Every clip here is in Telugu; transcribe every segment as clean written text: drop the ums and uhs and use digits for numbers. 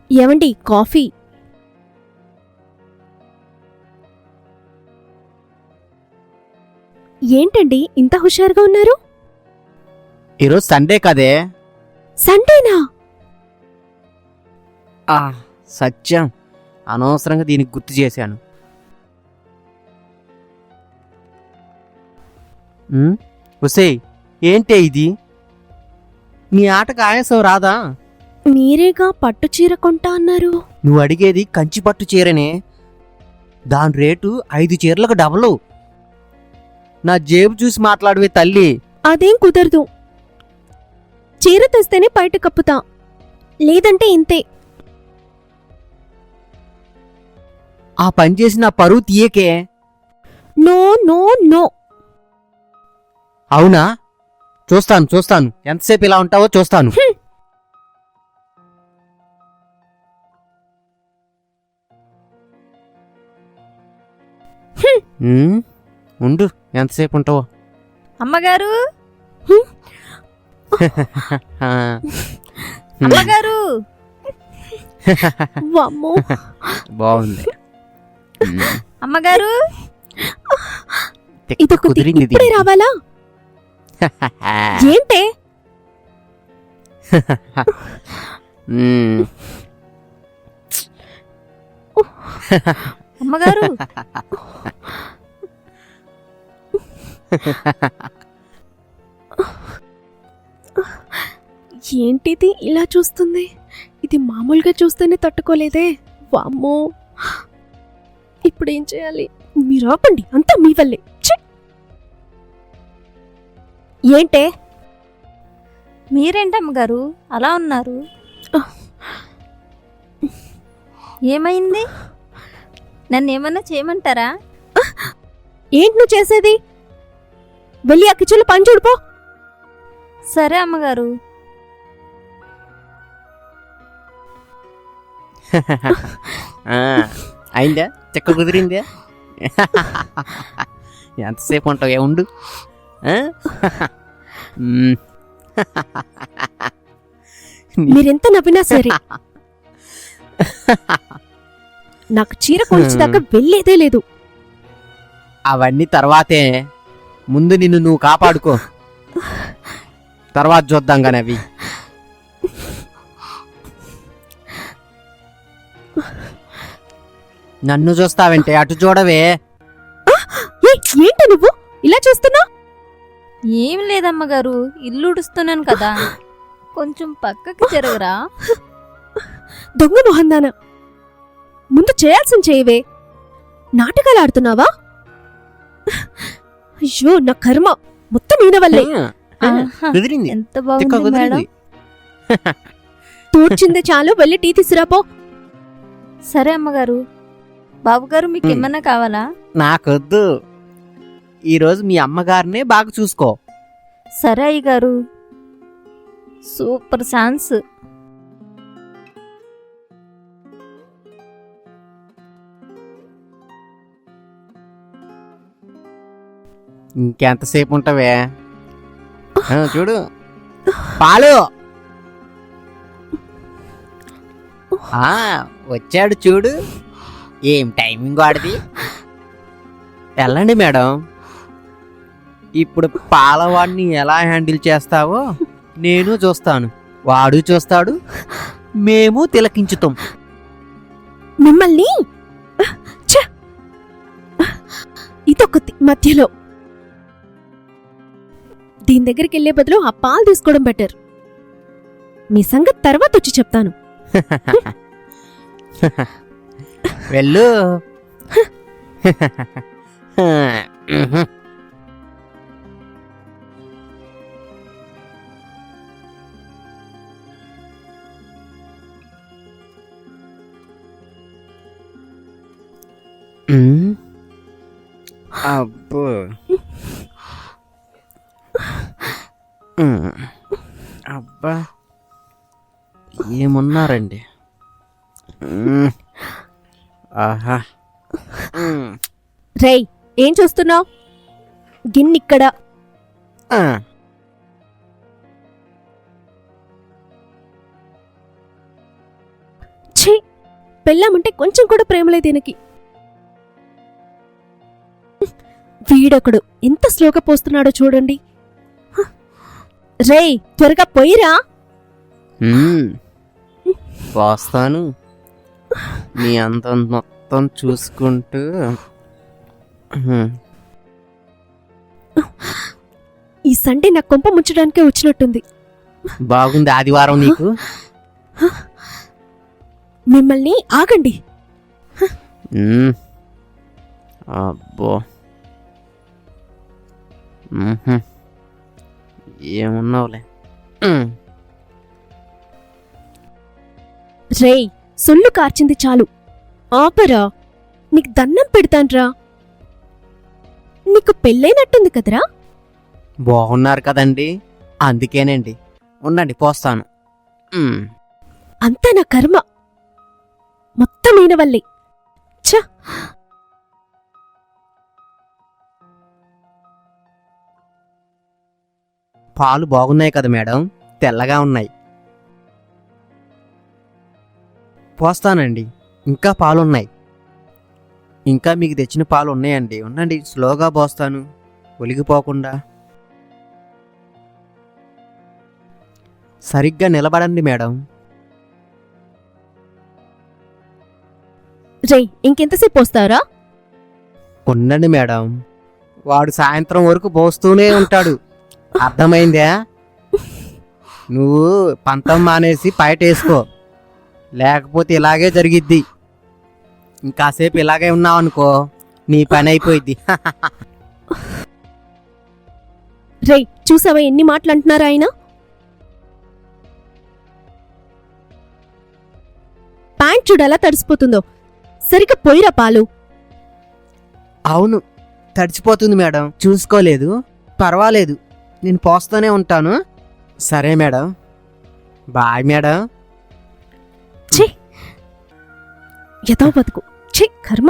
ఏవండి కాఫీ? ఏంటండి ఇంత హుషారుగా ఉన్నారు? ఈరోజు సండే కదే. సండేనా? సత్యం, అనవసరంగా దీనికి గుర్తు చేశాను. ఉసేయ్, ఏంటే ఇది? నీ ఆటకు ఆయాసం రాదా? మీరేగా పట్టు చీర కొంటా అన్నారు. నువ్వు అడిగేది కంచి పట్టు చీరనే. దాని రేటు 5 చీరలకు డబలు. నా జేబు చూసి మాట్లాడవే తల్లి. అదేం కుదరదు. చీర తెస్తేనే బయట కప్పుతా, లేదంటే ఇంతే. ఆ పని చేసి నా పరువు తీయకే. No no no. అవునా? చూస్తాను. ఎంతసేపు ఇలా ఉంటావో చూస్తాను. ఉండు, ఎంతసేపు ఉంటావో. అమ్మగారు, అమ్మగారు. వామ్మో, బాగుంది. అమ్మగారు, కుదిరింది. ఇప్పుడే రావాలా? ఏంటే? అమ్మగారు. ఏంటిది ఇలా చూస్తుంది? ఇది మామూలుగా చూస్తేనే తట్టుకోలేదే. వామ్మో, ఇప్పుడేం చేయాలి? మీరు ఆపండి, అంతా మీ వల్లే. ఏంటే? మీరేంటమ్మగారు అలా ఉన్నారు? ఏమైంది? నన్ను ఏమన్నా చేయమంటారా? ఏంటి నువ్వు చేసేది? వెళ్ళి ఆ కిచెన్లో పని చూడిపో. సరే అమ్మగారు. అయిందా? చెక్క కుదిరిందా? ఎంతసేపు ఉంటావు? ఉండు. మీరెంత నవ్వినా సరే నాకు చీర కొలిచేదాకా వెళ్ళేదే లేదు. అవన్నీ తర్వాతే. ముందు నిన్ను నువ్వు కాపాడుకో, తర్వాత చూద్దాం కానీ అవి. నన్ను చూస్తావంటే అటు చూడవే. ఏంట నువ్వు ఇలా చూస్తున్నా? ఏం లేదమ్మగారు, ఇల్లు ఉడుస్తున్నాను కదా, కొంచెం పక్కకి జరగరా. దొంగ మొహందానా, ముందు చేయాల్సింది చేయవే. నాటకాలు ఆడుతున్నావా? అయ్యో నా కర్మ, మొత్తం ఈయన వల్లే. కుదిరింది. ఎంత బాగుంది మేడం. తూర్చిందే చాలు, వెళ్ళి టీ తీసుకురాపో. సరే అమ్మగారు. బాబుగారు, మీకు ఏమన్నా కావాలా? నాకొద్దు. ఈరోజు మీ అమ్మగారినే బాగా చూసుకో. సరే అయ్యగారు. Super chance. ఇంకెంతసేపు ఉంటావే? చూడు, పాలు వచ్చాడు చూడు. ఏం టైమింగ్ వాడిది. వెళ్ళండి మేడం. ఇప్పుడు పాలవాడిని ఎలా హ్యాండిల్ చేస్తావో నేను చూస్తాను, వాడు చూస్తాడు, మేము తిలకించుతాం. మిమ్మల్ని ఇదొక మధ్యలో. దీని దగ్గరికి వెళ్లే బదులు ఆ పాలు తీసుకోవడం బెటర్. మీ సంగతి తర్వాత వచ్చి చెప్తాను. వెళ్ళు. అబ్బో, అబ్బా, ఏమున్నారండి. ఆహా. రేయ్, ఏం చూస్తున్నావు? గిన్నిక్కడ. ఛ, ఛీ, పెళ్ళామంటే కొంచెం కూడా ప్రేమ లేదు ఈయనకి. వీడొకడు ఎంత స్లోగా పోస్తున్నాడో చూడండి. రేయ్, త్వరగా పోయిరా. పోస్తాను. నీ అందం మొత్తం చూసుకుంటూ. ఈ సండే నా కొంప ముంచడానికే వచ్చినట్టుంది. బాగుంది ఆదివారం నీకు. మిమ్మల్ని ఆగండి. అబ్బో, ఏమున్నావులే. రేయ్, సొల్లు కార్చింది చాలు. ఆపరా, నీకు దండం పెడతాన్రా. నీకు పెళ్ళైనట్టుంది కదరా. బాగున్నారు కదండి, అందుకేనండి. ఉండండి, పోస్తాను. అంతా నా కర్మ, మొత్తం ఈయన వల్లే. ఛ, పాలు బాగున్నాయి కదా మేడం, తెల్లగా ఉన్నాయి. పోస్తానండి, ఇంకా పాలున్నాయి. ఇంకా మీకు తెచ్చిన పాలు ఉన్నాయండి. ఉండండి, స్లోగా పోస్తాను, ఒలిగిపోకుండా. సరిగ్గా నిలబడండి మేడం. రేయ్, ఇంకెంతసేపు వస్తారా? ఉండండి మేడం, వాడు సాయంత్రం వరకు పోస్తూనే ఉంటాడు. అర్థమైందా? నువ్వు పంతం మానేసి బయటేసుకో, లేకపోతే ఇలాగే జరిగిద్ది. ఇంకాసేపు ఇలాగే ఉన్నావనుకో, నీ పని అయిపోయిద్ది. రేయ్, చూసావా ఎన్ని మాటలు అంటున్నారా ఆయన? ప్యాంట్ చూడలా తడిసిపోతుందో. సరిగ్గా పోయిరా పాలు. అవును, తడిచిపోతుంది మేడం, చూసుకోలేదు. పర్వాలేదు, నేను పోస్తూనే ఉంటాను. సరే మేడం, బాయ్ మేడం. ఛీ, యథా బతుకు. ఛీ, కర్మ.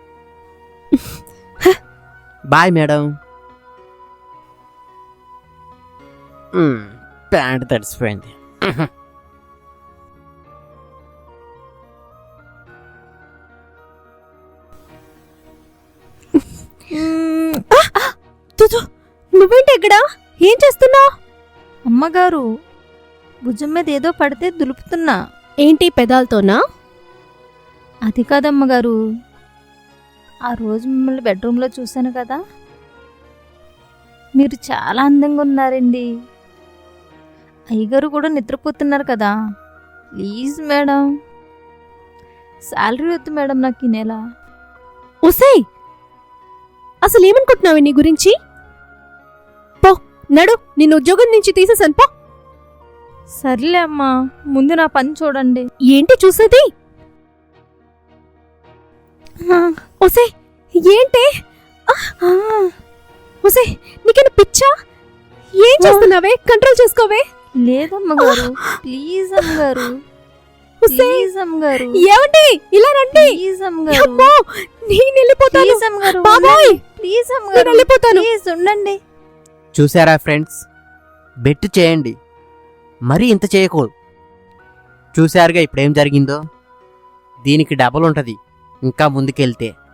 Bye madam. ప్యాంట్ తడిసిపోయింది. నువ్వేంటి ఎక్కడా? ఏం చేస్తున్నావు? అమ్మగారు, భుజం మీద ఏదో పడితే దులుపుతున్నా. ఏంటి, పెదాలతోనా? అది కాదమ్మగారు, ఆ రోజు మిమ్మల్ని బెడ్రూమ్లో చూశాను కదా, మీరు చాలా అందంగా ఉన్నారండి. అయ్యగారు కూడా నిద్రపోతున్నారు కదా. ప్లీజ్ మేడం, శాలరీ వద్దు మేడం నాకు ఈ నెల. ఒసేయ్, అసలు ఏమనుకుంటున్నావు నీ గురించి? పో, నడు, నిన్ను ఉద్యోగం నుంచి తీసేసాను, పో. సర్లే అమ్మా, ముందు నా పని చూడండి. ఏంటి చూసేది? ఒసే, ఏంటి? ఒసే, నీకేనా పిచ్చా? ఏం చేస్తున్నావే? కంట్రోల్ చేసుకోవే. లేదమ్మగారు, ప్లీజ్ అమ్మగారు, ప్లీజ్ అమ్మగారు. ఏమండి, ఇలా రండి. ప్లీజ్ అమ్మగారు, అమ్మో, నేను వెళ్ళిపోతాను. ప్లీజ్ అమ్మగారు, బాబోయ్, ప్లీజ్ నేను అమ్మగారు, వెళ్ళిపోతాను. ప్లీజ్ ఉండండి. చూసారా ఫ్రెండ్స్, బెట్ చేయండి, మరీ ఇంత చేయకూడదు. చూశారుగా ఇప్పుడేం జరిగిందో. దీనికి డబల్ ఉంటుంది ఇంకా ముందుకెళ్తే.